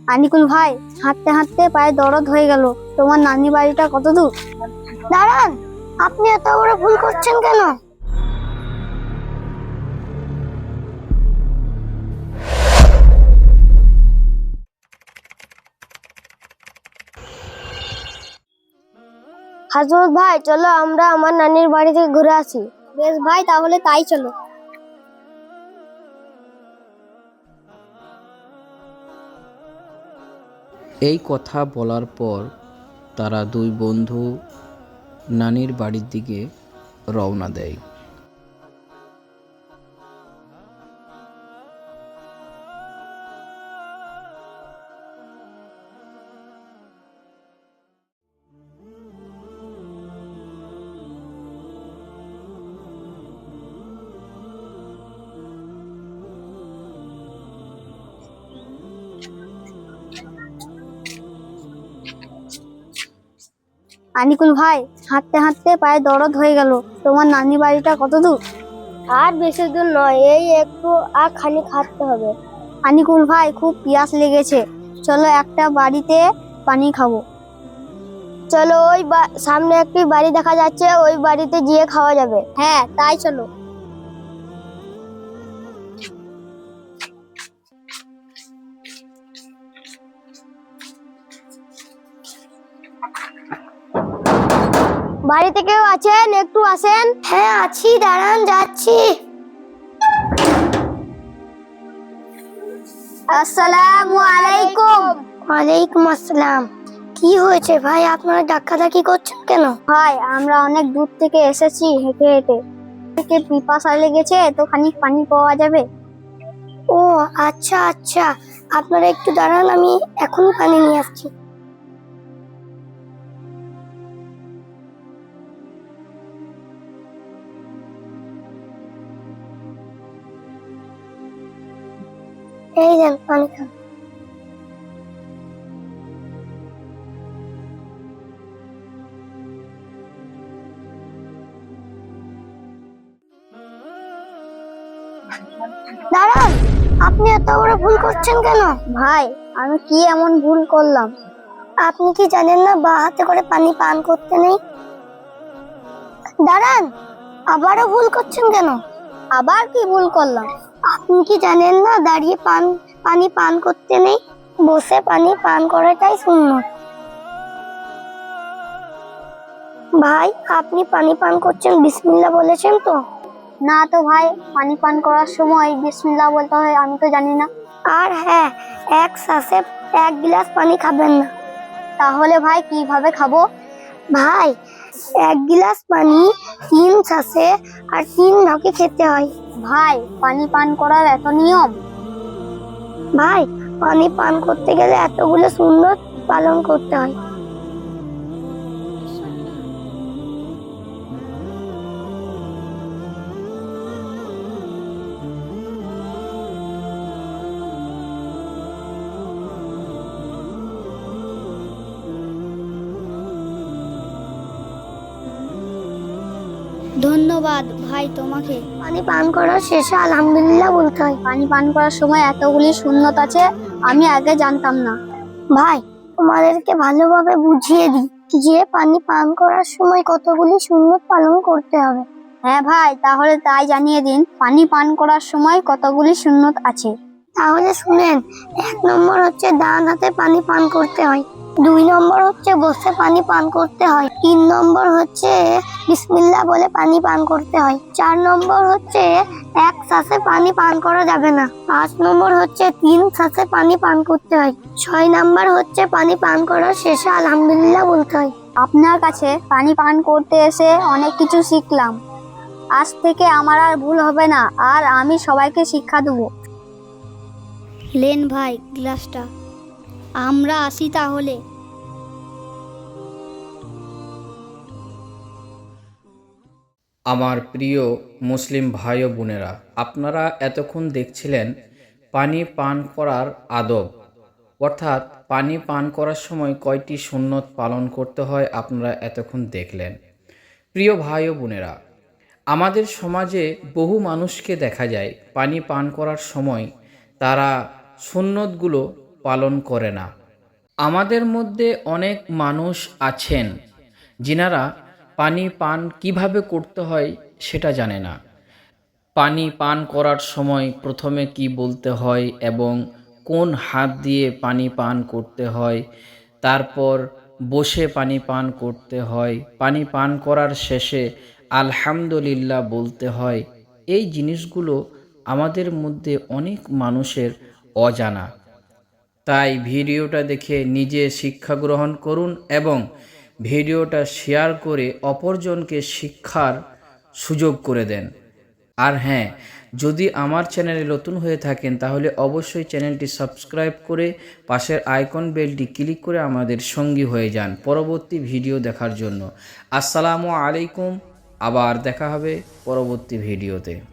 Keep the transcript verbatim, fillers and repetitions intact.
আনিকুল ভাই, হাঁটতে হাঁটতে পায়ে দরদ হয়ে গেল। তোমার নানি বাড়িটা কত দূর? দাঁড়ান, আপনি এত বড় ভুল করছেন কেন? হাজরত ভাই, চলো আমরা আমার নানির বাড়ি থেকে ঘুরে আসি। বেশ ভাই, তাহলে তাই চলো। এই কথা বলার পর তারা দুই বন্ধু নানির বাড়ির দিকে রওনা দেয়। আনিকুল ভাই, হাঁটতে হাঁটতে পায়ে দরদ হয়ে গেল। তোমার নানি বাড়িটা কত দূর? আর বেশি দূর নয়, এই একটু আর খানিক হাঁটতে হবে। আনিকুল ভাই, খুব পিয়াস লেগেছে, চলো একটা বাড়িতে পানি খাবো। চলো, ওই সামনে একটি বাড়ি দেখা যাচ্ছে, ওই বাড়িতে গিয়ে খাওয়া যাবে। হ্যাঁ, তাই চলো। বাড়িতে কেউ আছেন? একটু আসেন। হ্যাঁ আছি, দাঁড়ান যাচ্ছি। আসসালামু আলাইকুম। ওয়ালাইকুম আসসালাম। কি হয়েছে ভাই, আপনারা ডাকাডাকি করছেন কেন? ভাই, আমরা অনেক দূর থেকে এসেছি হেঁটে হেঁটে, থেকে পিপাসা লেগেছে, তো খানিক পানি পাওয়া যাবে? ও আচ্ছা আচ্ছা, আপনারা একটু দাঁড়ান, আমি এখন পানি নিয়ে আসছি। এই দেন পানি খান। দাঁড়ান, আপনি এত বড় ভুল করছেন কেন? ভাই, আমি কি এমন ভুল করলাম? আপনি কি জানেন না বা হাতে করে পানি পান করতে নেই? দাঁড়ান, আবারও ভুল করছেন কেন? আবার কি ভুল করলাম? আপনি কি জানেন না দাঁড়িয়ে পান পানি পান করতে নেই, বসে পানি পান করাটাই সুন্নত। ভাই, আপনি পানি পান করছেন, বিসমিল্লাহ বলেছেন তো? না তো ভাই, পানি পান করার সময় বিসমিল্লাহ বলতে হয় আমি তো জানি না। আর হ্যাঁ, এক শ্বাসে এক গ্লাস পানি খাবেন না। তাহলে ভাই কিভাবে খাবো? ভাই, এক গ্লাস পানি তিন শ্বাসে আর তিন ঢকে খেতে হয়। ভাই, পানি পান করার এত নিয়ম? ভাই, পানি পান করতে গেলে এতগুলো সুন্নত পালন করতে হয়। ধন্যবাদ ভাই তোমাকে। পানি পান করার শেষে আলহামদুলিল্লাহ বলতে হয়। পানি পান করার সময় এতগুলি সুন্নত আছে, আমি আগে জানতাম না। ভাই, তোমাদেরকে ভালোভাবে বুঝিয়ে দিই যে পানি পান করার সময় কতগুলি সুন্নত পালন করতে হবে। হ্যাঁ ভাই, তাহলে তাই জানিয়ে দিন, পানি পান করার সময় কতগুলি সুন্নত আছে। তাহলে শুনেন, এক নম্বর হচ্ছে ডান হাতে পানি পান করতে হয়, দুই নম্বর হচ্ছে বসে পানি পান করতে হয়, তিন নম্বর হচ্ছে বিসমিল্লাহ বলে পানি পান করতে হয়, চার নম্বর হচ্ছে এক শ্বাসে পানি পান করা যাবে না, পাঁচ নম্বর হচ্ছে তিন শ্বাসে পানি পান করতে হয়, ছয় নম্বর হচ্ছে পানি পান করার শেষে আলহামদুলিল্লাহ বলতে হয়। আপনার কাছে পানি পান করতে এসে অনেক কিছু শিখলাম। আজ থেকে আমার আর ভুল হবে না, আর আমি সবাইকে শিক্ষা দেবো। লেন ভাই গ্লাসটা, আমরা আসি তাহলে। আমার প্রিয় মুসলিম ভাই ও বোনেরা, আপনারা এতক্ষণ দেখছিলেন পানি পান করার আদব, অর্থাৎ পানি পান করার সময় কয়টি সুন্নত পালন করতে হয় আপনারা এতক্ষণ দেখলেন। প্রিয় ভাই ও বোনেরা, আমাদের সমাজে বহু মানুষকে দেখা যায় পানি পান করার সময় তারা সুন্নতগুলো পালন করে না। আমাদের মধ্যে অনেক মানুষ আছেন যিনারা পানি পান কিভাবে করতে হয় সেটা জানে না। পানি পান করার সময় প্রথমে কি বলতে হয় এবং কোন হাত দিয়ে পানি পান করতে হয়, তারপর বসে পানি পান করতে হয়, পানি পান করার শেষে আলহামদুলিল্লাহ বলতে হয়। এই জিনিসগুলো আমাদের মধ্যে অনেক মানুষের অজানা। তাই ভিডিওটা দেখে নিজে শিক্ষা গ্রহণ করুন এবং ভিডিওটা শেয়ার করে অপরজনকে শিক্ষার সুযোগ করে দেন। আর হ্যাঁ, যদি আমার চ্যানেলে নতুন হয়ে থাকেন তাহলে অবশ্যই চ্যানেলটি সাবস্ক্রাইব করে পাশের আইকন বেলটি ক্লিক করে আমাদের সঙ্গী হয়ে যান পরবর্তী ভিডিও দেখার জন্য। আসসালামু আলাইকুম। আবার দেখা হবে পরবর্তী ভিডিওতে।